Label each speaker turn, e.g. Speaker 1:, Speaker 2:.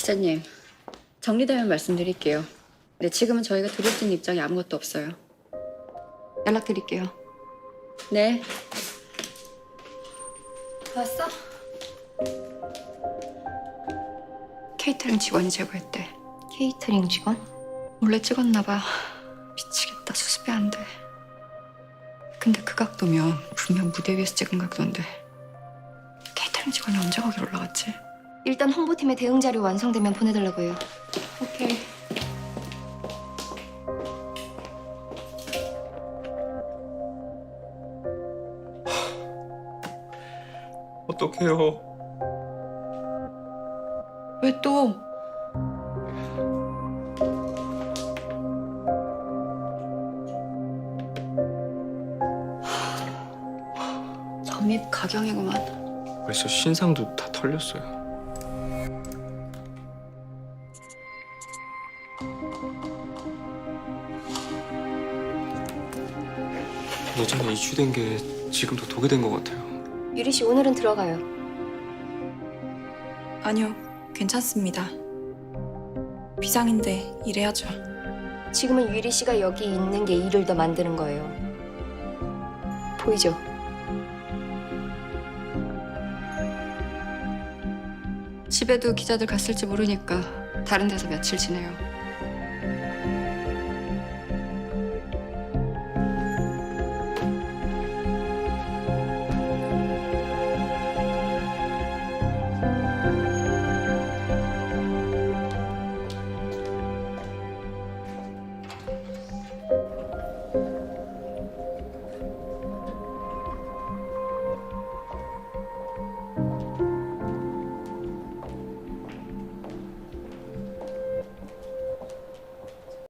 Speaker 1: 이사님, 정리되면 말씀드릴게요. 근데 지금은 저희가 드릴 수 있는 입장이 아무것도 없어요. 연락드릴게요. 네. 왔어? 케이터링 직원이 제보했대.
Speaker 2: 케이터링 직원?
Speaker 1: 몰래 찍었나 봐. 미치겠다. 수습이 안 돼. 근데 그 각도면 분명 무대 위에서 찍은 각도인데 케이터링 직원이 언제 거기 올라갔지?
Speaker 2: 일단 홍보팀의 대응 자료 완성되면 보내달라고 해요.
Speaker 1: 오케이.
Speaker 3: 어떡해요.
Speaker 1: 왜 또? 점입 가경이구만.
Speaker 3: 벌써 신상도 다 털렸어요. 예전에 이슈된 게 지금도 도배된 것 같아요.
Speaker 2: 유리 씨 오늘은 들어가요.
Speaker 4: 아니요, 괜찮습니다. 비상인데 일해야죠.
Speaker 2: 지금은 유리 씨가 여기 있는 게 일을 더 만드는 거예요. 보이죠?
Speaker 1: 집에도 기자들 갔을지 모르니까 다른 데서 며칠 지내요.